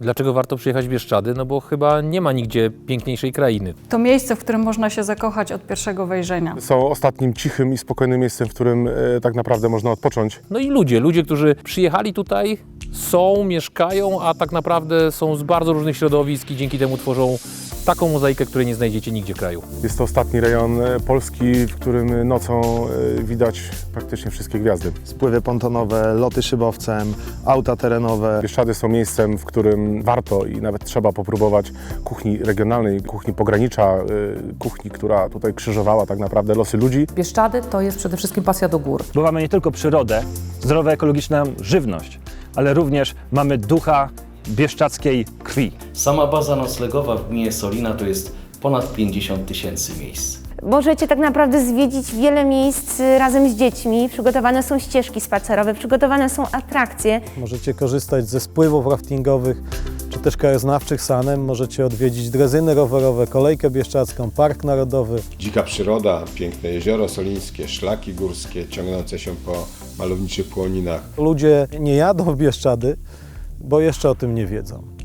Dlaczego warto przyjechać w Bieszczady? No bo chyba nie ma nigdzie piękniejszej krainy. To miejsce, w którym można się zakochać od pierwszego wejrzenia. Są ostatnim cichym i spokojnym miejscem, w którym tak naprawdę można odpocząć. No i ludzie, którzy przyjechali tutaj, mieszkają, a tak naprawdę są z bardzo różnych środowisk i dzięki temu tworzą taką mozaikę, której nie znajdziecie nigdzie w kraju. Jest to ostatni rejon Polski, w którym nocą widać praktycznie wszystkie gwiazdy. Spływy pontonowe, loty szybowcem, auta terenowe. Bieszczady są miejscem, w którym warto i nawet trzeba popróbować kuchni regionalnej, kuchni pogranicza, kuchni, która tutaj krzyżowała tak naprawdę losy ludzi. Bieszczady to jest przede wszystkim pasja do gór. Bo mamy nie tylko przyrodę, zdrowa ekologiczna żywność, ale również mamy ducha bieszczadzkiej krwi. Sama baza noclegowa w gminie Solina to jest ponad 50 000 miejsc. Możecie tak naprawdę zwiedzić wiele miejsc razem z dziećmi. Przygotowane są ścieżki spacerowe, przygotowane są atrakcje. Możecie korzystać ze spływów raftingowych czy też krajoznawczych sanem. Możecie odwiedzić drezyny rowerowe, kolejkę bieszczadzką, park narodowy. Dzika przyroda, piękne jezioro solińskie, szlaki górskie ciągnące się po malowniczych płoninach. Ludzie nie jadą w Bieszczady, bo jeszcze o tym nie wiedzą.